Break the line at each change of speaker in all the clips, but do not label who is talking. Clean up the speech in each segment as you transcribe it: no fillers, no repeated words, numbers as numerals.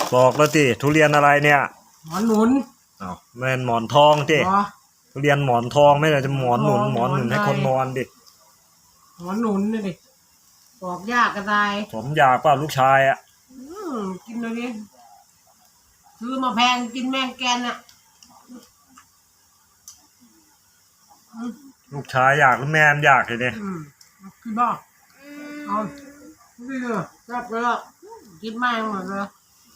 บอกแล้วติทุเรียนอะไรเนี่ย
หมอนหนุน
อ้าวแม่นหมอนทองติทุเรียนหมอนทองไม่ได้จะหมอนหนุนให้คนนอนดิ
หมอนหนุนนี่ดิบอกยากกระได
ผมอยากป่ะลูกชายอ่ะ
กินเลยดิซื้อมาแพงกินแมงแกนอ่ะ
ลูกชายอยากหรือแม่อยากเลยเนี่ย
กินบ้าเอาไม่เลยจับไปแล้วกินไม่หมดเลย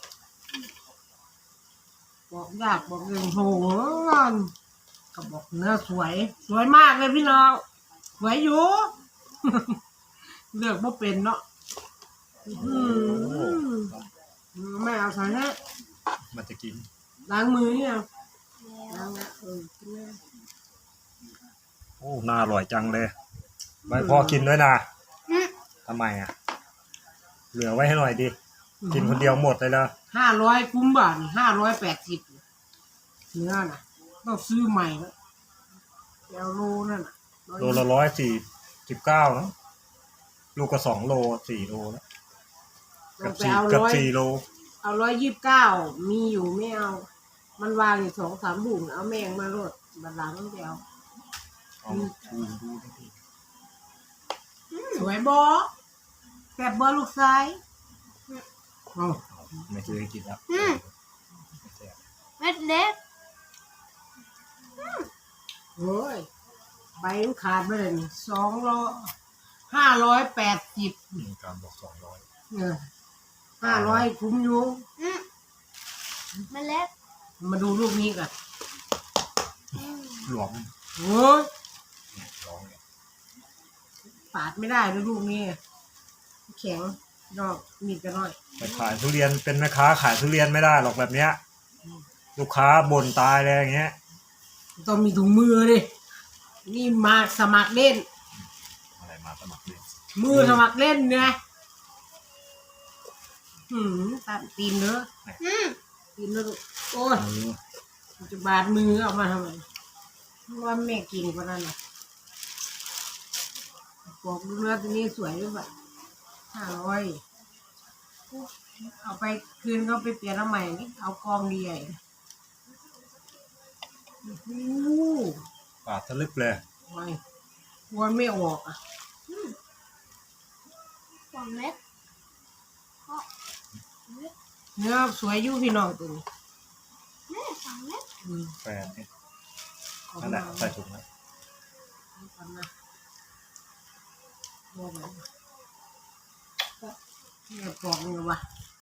บอกยากบอกเรื่องโหก็บอกเนื้อสวยมากเลยพี่น้องสวยอยู่เลือกบ่เป็นเนาะไม่เอาใส่นะ
มันจะกิน
ล้างมือเนี่ยล้างนะกินเลย
โอ้น่าอร่อยจังเลยไม่พอกินด้วยนะทำไมอ่ะเหลือไว้ให้หน่อยดิกินคนเดียวหมดเลยละ
500คุ้มบ่า580เนื้อน่ะต้องซื้อใหม่แล้วเอาโลนั่นน่ะ
โลละ149เนาะลูกก็2 โล4 โลแล้วกับ4 โล
เอา129มีอยู่ไม่เอามันวางอยู่2-3 ถุงเอาแมงมาโลดบัดหลังต้องไปเอาสวยบ่แซ่บบ่ลูกชาย
ไม่เคยกินแล้ว
เม็ดเล็ก
โอ้ยใบมันขาดไปเลย580
การบอก
500คุ้มอยู่
เม็ดเล็ก
มาดูลูกนี้กัน
หลวม
โอ้ยปาดไม่ได้ด้วยลูกนี้แข็งนอกมีดกันหน่อย
ไปขายทุเรียนเป็นแม่ค้าขายทุเรียนไม่ได้หรอกแบบเนี้ยลูกค้าบ่นตายเลยอย่างเงี้ย
ต้องมีถุงมือดินี่มาสมัครเล่น
อะไรมาสมัครเล่น
มือสมัครเล่นไงตัดตีนเนอะตีนเนอะโอ้ยจะบาดมือเอามาทำไมว่าแม่กินกว่านั้นนะบอกดูเนื้อตัวนี้สวยด้วยแบบ500เอาไปคืนเขาไปเปลี่ยนแล้วใหม่นี่เอากองดีใหญ่
ปาดทะลึกเลย
ไม่ควรไม่ออกอ่ะ
2 เม็ด
เนื้อสวยอยู่พี่น้องตัวนี้
2 เม็ด
แฟนนี่นั่นแหละใส่ถุงไว้
บอกเลยเนี่ยปอกนี่วะ